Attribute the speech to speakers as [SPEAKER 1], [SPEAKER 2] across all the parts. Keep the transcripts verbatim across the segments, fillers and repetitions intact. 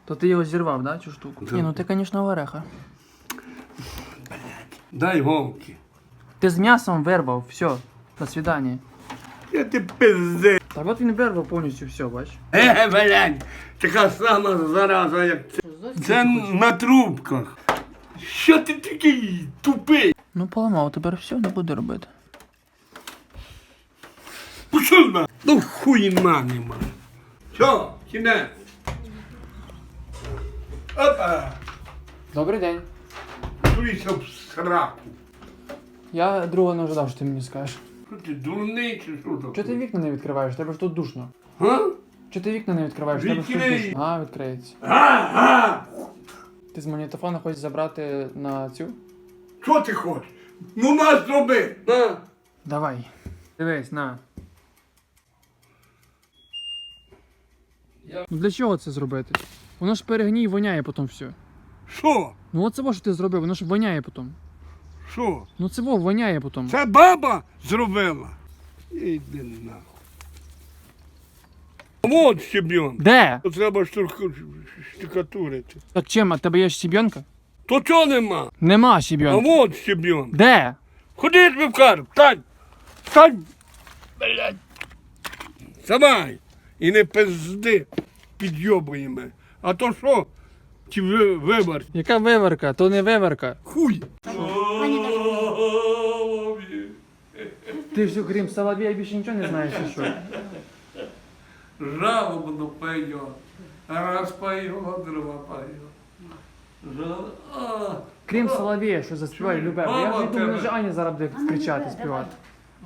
[SPEAKER 1] То ти його зірвав, да, цю штуку?
[SPEAKER 2] Да.
[SPEAKER 1] Ні, ну ти, звісно, вареха.
[SPEAKER 2] Дай голки.
[SPEAKER 1] Ти з м'ясом вирвав, все, до свидання.
[SPEAKER 2] Я ти пизди.
[SPEAKER 1] Так от він вирвав повністю все, бач.
[SPEAKER 2] Е, блядь, така сама зараза, як це. Це на трубках. Що ти такий тупий?
[SPEAKER 1] Ну поламав, тепер все, не буду робити.
[SPEAKER 2] Пішов на. Ну хуйна нема. Що, кінець? Опа.
[SPEAKER 1] Добрий день.
[SPEAKER 2] Дивися в сраку.
[SPEAKER 1] Я другого не ожидав, що ти мені скажеш.
[SPEAKER 2] Що ти, дурний чи що таке?
[SPEAKER 1] Чого ти вікна не відкриваєш? Тебе ж тут душно.
[SPEAKER 2] А?
[SPEAKER 1] Чого ти вікна не відкриваєш? Тебе ж тут
[SPEAKER 2] Відкрий.
[SPEAKER 1] душно. А, відкриється.
[SPEAKER 2] Ага!
[SPEAKER 1] Ти з магнітофона хочеш забрати на цю?
[SPEAKER 2] Що ти хочеш? Ну на зроби! На!
[SPEAKER 1] Давай. Дивись, на. Ну для чого це зробити? Воно ж перегній і воняє потім все.
[SPEAKER 2] Що?
[SPEAKER 1] Ну оце во, що ти зробив, воно ж воняє потім.
[SPEAKER 2] Що?
[SPEAKER 1] Ну це во, воняє потім.
[SPEAKER 2] Це баба зробила? Іди нахуй. Вот щебенка.
[SPEAKER 1] Де?
[SPEAKER 2] То треба штурку штукатурити.
[SPEAKER 1] Так чим, а тебе є щебенка?
[SPEAKER 2] То чого нема?
[SPEAKER 1] Нема
[SPEAKER 2] А
[SPEAKER 1] щебенки.
[SPEAKER 2] вот щебенка.
[SPEAKER 1] Де?
[SPEAKER 2] Ходи, я тобі вкажу. Встань! Встань! Блядь! Вставай! І не пизди підйобує мене. А то що? Ті ви- вибор.
[SPEAKER 1] Яка виварка? То не виварка.
[SPEAKER 2] Хуй!
[SPEAKER 1] Ти ж крім Соловія більше нічого не знаєш, чи що?
[SPEAKER 2] Жалобно поет. Раз поет, два поет. Жал... А,
[SPEAKER 1] Крім Соловія, що заспіває
[SPEAKER 2] Чуєш,
[SPEAKER 1] любе. Бо Я
[SPEAKER 2] баба
[SPEAKER 1] вже думаю,
[SPEAKER 2] тебе.
[SPEAKER 1] що Аня зараз буде кричати, співати.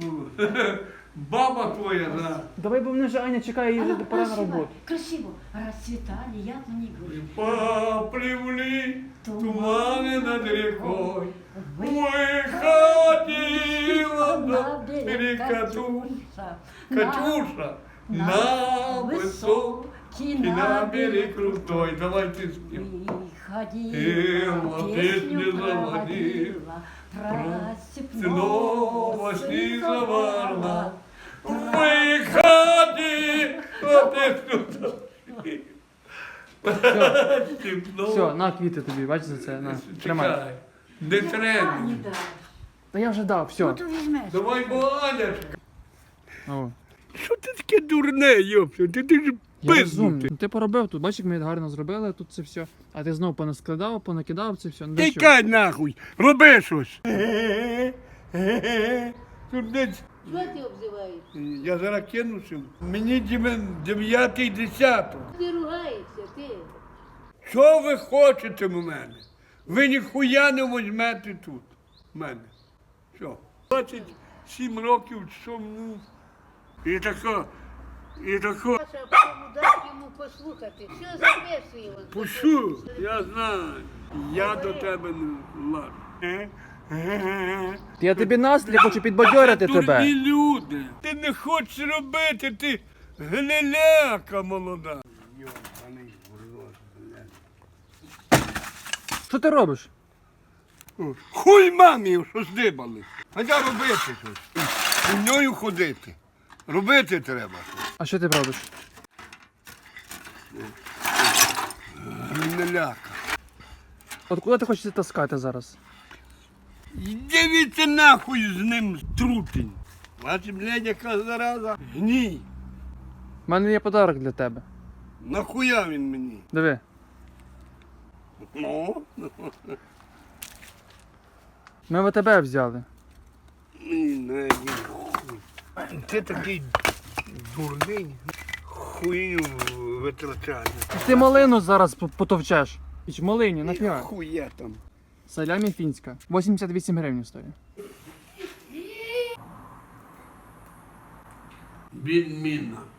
[SPEAKER 2] Баба твоя, да.
[SPEAKER 1] Давай, бо мене вже Аня чекає, їй вже пора на роботу.
[SPEAKER 3] Красиво. Расцветали яблони груши.
[SPEAKER 2] Поплевли туманы над рекой.
[SPEAKER 3] Выходила
[SPEAKER 2] Выходила на берег Катюша, Катюша, на высокий, на берег крутой. Давай ты спим.
[SPEAKER 3] Выходила, песню заводила,
[SPEAKER 2] Снова снизоварна. Выходи, вот это
[SPEAKER 1] Все, на квіти тобі, бач за це, на, тримай.
[SPEAKER 2] Чекай, не треба.
[SPEAKER 1] Та я вже дав, все.
[SPEAKER 3] Ну то візьмеш.
[SPEAKER 2] Давай, Банячка.
[SPEAKER 1] О,
[SPEAKER 2] Що ти таке дурне, йопсю? Ти, ти ж
[SPEAKER 1] я розумний.
[SPEAKER 2] пизнутий.
[SPEAKER 1] Ну, ти поробив тут, бачиш, як ми гарно зробили тут це все. А ти знову понаскладав, понакидав це все. Ну, для чого?
[SPEAKER 2] Тікай нахуй, роби щось. Тут десь,
[SPEAKER 4] Що ти обзиваєш?
[SPEAKER 2] я зараз кинуся. Мені дев'ятий десяток.
[SPEAKER 4] Ти ругаєшся, ти.
[SPEAKER 2] Що ви хочете в мене? Ви ніхуя не візьмете тут. В мене. Що? двадцять сім років чому. І тако, і тако.
[SPEAKER 4] Саша, потім дай йому послухати. Що записує його?
[SPEAKER 2] Пушу, я знаю. Я до тебе не лажу.
[SPEAKER 1] Я тобі настрій хочу підбадьорити
[SPEAKER 2] Дурні
[SPEAKER 1] тебе.
[SPEAKER 2] люди. Ти не хочеш робити, ти гниляка молода. Йобаний урод, блядь.
[SPEAKER 1] Що ти робиш?
[SPEAKER 2] Хуй мамі, що здибали. А я робити щось. Хуйньою ходити. Робити треба щось.
[SPEAKER 1] А що ти робиш?
[SPEAKER 2] Гниляка.
[SPEAKER 1] От куди ти хочеш це таскати зараз?
[SPEAKER 2] Дивіться нахуй з ним трутень. Бачиш, блядь, яка зараза. Гній.
[SPEAKER 1] У мене є подарок для тебе.
[SPEAKER 2] Нахуя він мені?
[SPEAKER 1] Диви.
[SPEAKER 2] Ну,
[SPEAKER 1] Ми в тебе взяли.
[SPEAKER 2] мені не хуй. Ти такий дурний. Хуйню витрачає.
[SPEAKER 1] Ти малину зараз по- потовчеш. Іч малині, нафіга.
[SPEAKER 2] Хуя там.
[SPEAKER 1] Салямі фінська. вісімдесят вісім гривень стоїть.
[SPEAKER 2] Відмінна.